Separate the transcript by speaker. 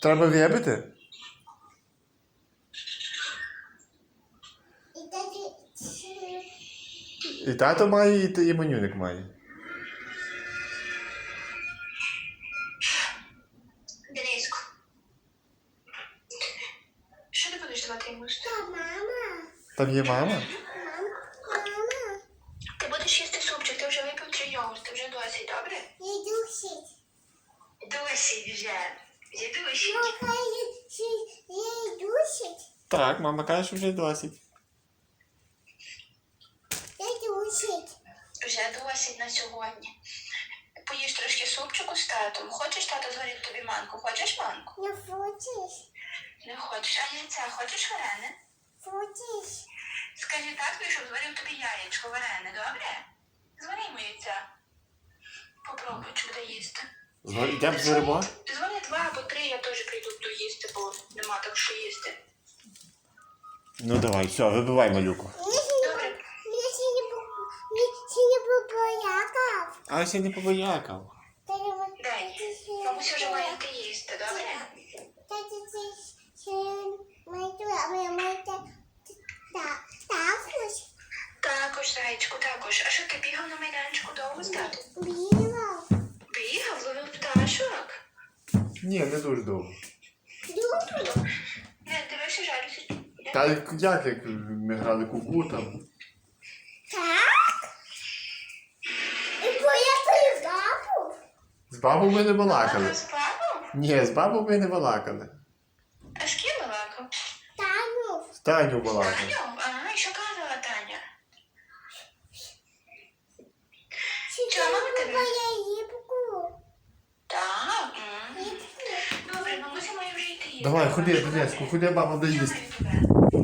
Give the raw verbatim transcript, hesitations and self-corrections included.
Speaker 1: Треба вибити?
Speaker 2: І тоді...
Speaker 1: І тато має, і, т- і Манюник має.
Speaker 3: Дениску. Що ти будеш давати йому?
Speaker 2: Та мама.
Speaker 1: Там є мама?
Speaker 2: Мам, мама.
Speaker 3: Ти будеш їсти супчик, ти вже випив три йогурти, вже досить, добре?
Speaker 2: Я душить.
Speaker 3: Досить вже. Вже досить.
Speaker 2: Мама, я душить.
Speaker 1: Так, мама каже, що вже досить.
Speaker 2: Я душить.
Speaker 3: Вже досить на сьогодні. Поїж трошки супчику з татом. Хочеш, тато зварить тобі манку? Хочеш манку?
Speaker 2: Не хочеш?
Speaker 3: Не хочеш. А яйця хочеш варене?
Speaker 2: Хочеш?
Speaker 3: Скажи татові, щоб зварив тобі яєчко варене, добре? Звари йому яйця. Попробуй, чи буде їсти.
Speaker 1: Йдемо зваримо?
Speaker 3: Дзвони два або три, я теж прийду буду їсти, бо нема так що їсти.
Speaker 1: Ну давай, все, вибивай малюку.
Speaker 3: Добре.
Speaker 2: Мені ще не було... Мені ще не було боякав.
Speaker 1: А ще не побоякав.
Speaker 3: Дай. Бабуся вже має йти їсти, добре?
Speaker 2: Тати, це ще маю, а моя мати також
Speaker 3: Також, зайчику, також. А що ти бігав на майданчику довго з татом?
Speaker 2: бігав.
Speaker 3: Бігав, ловив пташок.
Speaker 1: Ні, не дуже довго.
Speaker 2: Дуже.
Speaker 3: Не, дивишся, жалюся.
Speaker 1: Та як, як ми грали куку там.
Speaker 2: Так? І поїхали в бабу?
Speaker 1: З бабою ми не балакали.
Speaker 3: Мама з папом?
Speaker 1: Ні, з бабою ми не балакали.
Speaker 3: А з ким балакав?
Speaker 2: Таню.
Speaker 1: З Таню балакали.
Speaker 3: Таню? А, і що казала Таня?
Speaker 2: Чи
Speaker 3: Чого мама
Speaker 2: ти
Speaker 3: тебе?
Speaker 2: моя їбку?
Speaker 3: Так. м. Добре, бабуся має вже йти їсти.
Speaker 1: Давай, ходи, Дениску, ходи, баба
Speaker 3: Я
Speaker 1: доїсть.
Speaker 3: маю тебе.